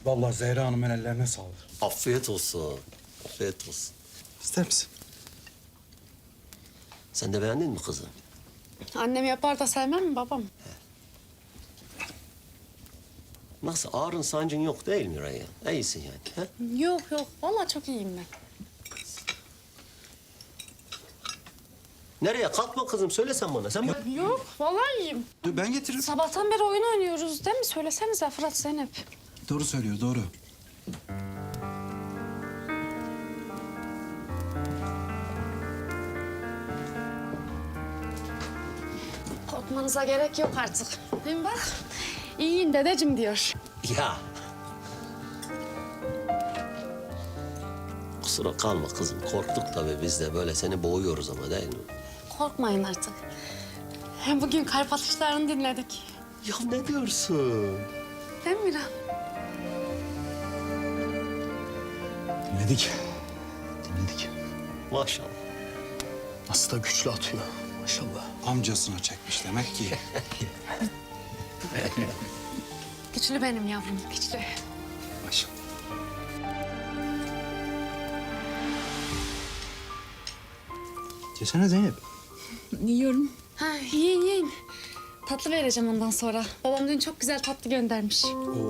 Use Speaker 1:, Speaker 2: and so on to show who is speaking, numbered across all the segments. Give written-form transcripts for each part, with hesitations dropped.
Speaker 1: Vallahi Zehra Hanım'ın ellerine sağlık.
Speaker 2: Afiyet olsun. Afiyet olsun.
Speaker 1: İster misin?
Speaker 2: Sen de beğendin mi kızım?
Speaker 3: Annem yapar da sevmem mi babam?
Speaker 2: Nasıl, ağrın sancın yok değil mi Reyhan? İyisin yani. He?
Speaker 3: Yok yok. Vallahi çok iyiyim ben.
Speaker 2: Nereye? Kalkma kızım, söylesen bana. Sen bana...
Speaker 3: Yok. Vallahi iyiyim.
Speaker 1: Dur ben getiririm.
Speaker 3: Sabahtan beri oyun oynuyoruz değil mi? Söylesenize Fırat, Zeynep.
Speaker 1: Doğru söylüyor, doğru.
Speaker 3: Korkmanıza gerek yok artık. Hem bak, iyiyim dedeciğim diyor.
Speaker 2: Ya. Kusura kalma kızım. Korktuk tabii biz de. Böyle seni boğuyoruz ama değil mi?
Speaker 3: Korkmayın artık. Hem bugün kalp atışlarını dinledik.
Speaker 2: Ya ne diyorsun?
Speaker 3: Değil mi Miran?
Speaker 1: Dinledik. Dinledik.
Speaker 2: Maşallah.
Speaker 4: Nasıl da güçlü atıyor. Maşallah.
Speaker 1: Amcasına çekmiş demek ki.
Speaker 3: Güçlü benim yavrum, güçlü.
Speaker 1: Maşallah. Yesene Zeynep.
Speaker 3: Yiyorum. Ha, yiyin yiyin. Tatlı vereceğim ondan sonra. Babam dün çok güzel tatlı göndermiş.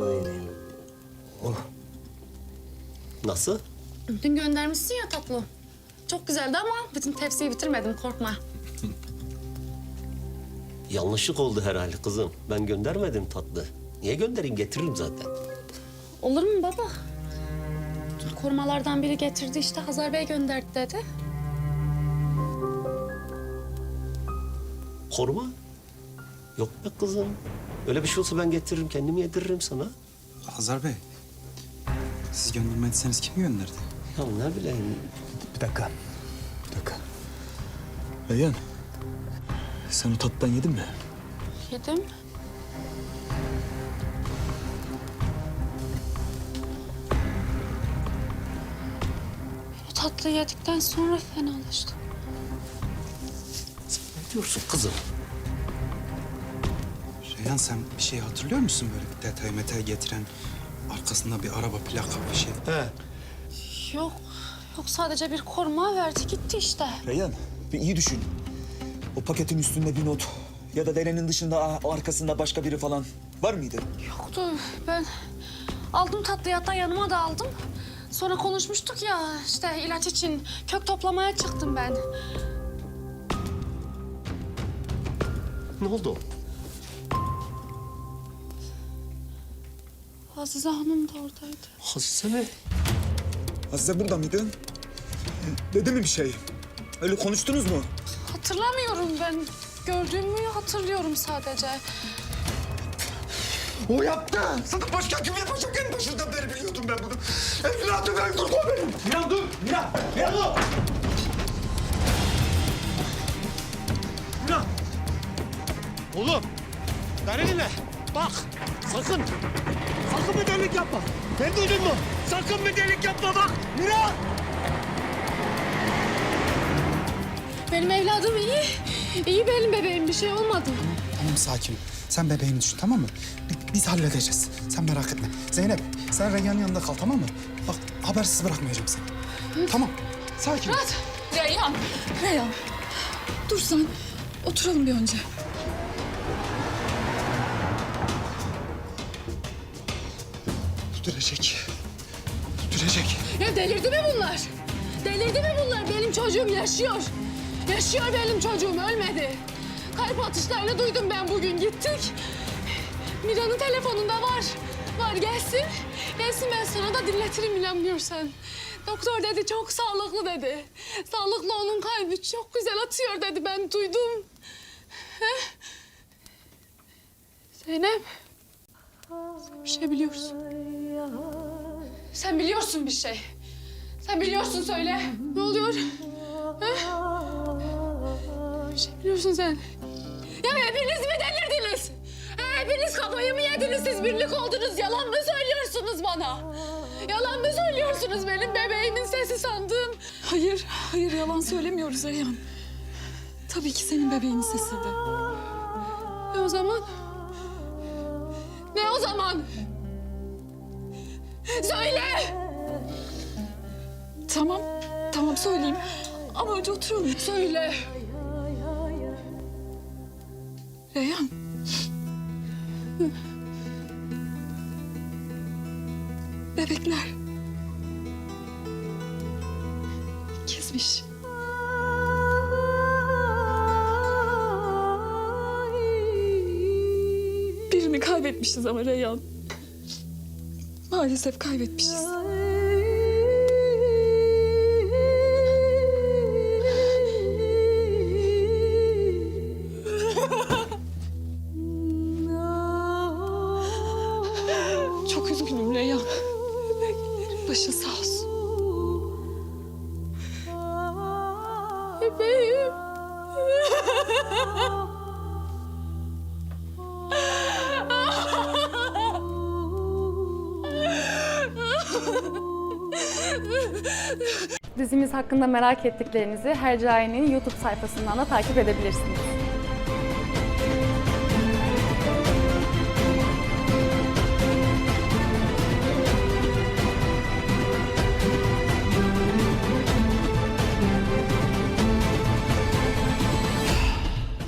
Speaker 2: Nasıl?
Speaker 3: Dün göndermişsin ya tatlı. Çok güzeldi ama bütün tepsiyi bitirmedim, korkma.
Speaker 2: Yanlışlık oldu herhalde kızım. Ben göndermedim tatlı. Niye göndereyim? Getiririm zaten.
Speaker 3: Olur mu baba? Korumalardan biri getirdi işte, Hazar Bey gönderdi dedi.
Speaker 2: Koruma? Yok be kızım. Öyle bir şey olsa ben getiririm, kendimi yediririm sana.
Speaker 1: Hazar Bey, siz göndermediyseniz kim gönderdi?
Speaker 2: Ya ne bileyim.
Speaker 4: Bir dakika. Bir dakika. Reyhan. Sen o tatlıdan yedin mi?
Speaker 3: Yedim. O tatlıyı yedikten sonra fenalaştım.
Speaker 2: Ne diyorsun kızım?
Speaker 1: Reyhan sen bir şey hatırlıyor musun böyle bir detay metay getiren arkasında bir araba plaka bir şey?
Speaker 2: He.
Speaker 3: Yok, yok sadece bir koruma verdi gitti işte.
Speaker 4: Reyhan bir iyi düşün. O paketin üstünde bir not ya da derenin dışında arkasında başka biri falan var mıydı?
Speaker 3: Yoktu, ben aldım tatlıyı, hatta yanıma da aldım. Sonra konuşmuştuk ya, işte ilaç için kök toplamaya çıktım ben.
Speaker 2: Ne oldu?
Speaker 3: Azize Hanım da oradaydı.
Speaker 2: Hazize mi?
Speaker 4: Azize burada mıydı? Dedi mi bir şey? Öyle konuştunuz mu?
Speaker 3: Hatırlamıyorum ben. Gördüğümü hatırlıyorum sadece.
Speaker 4: O yaptı. Sana başka kim yapacak? En başından beri biliyordum ben bunu. Evladım öldürdü o benim.
Speaker 1: Miran dur! Miran! Miran dur!
Speaker 5: Miran! Oğlum, beni dinle. Bak, sakın. Sakın bir delik yapma. Beni duydun mu? Sakın bir delik yapma bak. Miran!
Speaker 3: Benim evladım iyi. İyi benim bebeğim, bir şey olmadı.
Speaker 1: Tamam sakin. Sen bebeğini düşün tamam mı? Biz halledeceğiz. Sen merak etme. Zeynep sen Reyhan'ın yanında kal tamam mı? Bak habersiz bırakmayacağım seni. Tamam. Sakin ol.
Speaker 6: Fırat! Reyhan! Reyhan! Dur sen. Oturalım bir önce.
Speaker 1: Tütürecek. Tütürecek.
Speaker 3: Ya delirdi mi bunlar? Delirdi mi bunlar? Benim çocuğum yaşıyor. Yaşıyor benim çocuğum, ölmedi. Kalp atışlarını duydum ben bugün, gittik. Mira'nın telefonunda var. Var, gelsin. Gelsin, ben sana da dinletirim inanmıyorsan. Doktor dedi çok sağlıklı dedi. Sağlıklı, onun kalbi çok güzel atıyor dedi, ben duydum. Heh. Zeynep. Sen bir şey biliyorsun. Sen biliyorsun bir şey. Sen biliyorsun, söyle. Ne oluyor? Ha? Bir şey biliyorsun sen. Ya hepiniz mi delirdiniz? Hepiniz kafayı mı yediniz? Siz birlik oldunuz. Yalan mı söylüyorsunuz bana? Yalan mı söylüyorsunuz? Benim bebeğimin sesi sandım.
Speaker 6: Hayır, hayır yalan söylemiyoruz Reyhan. Tabii ki senin bebeğinin sesiydi.
Speaker 3: Ne o zaman? Ne o zaman? Söyle!
Speaker 6: Tamam, tamam söyleyeyim. Ama önce oturalım.
Speaker 3: Söyle!
Speaker 6: Reyhan. Bebekler. Kesmiş. Birini kaybetmişiz ama Reyhan. Maalesef kaybetmişiz. Çok üzgünüm Reyhan. Başın sağ olsun.
Speaker 3: Bebeğim.
Speaker 7: Dizimiz hakkında merak ettiklerinizi Hercai'nin YouTube sayfasından da takip edebilirsiniz.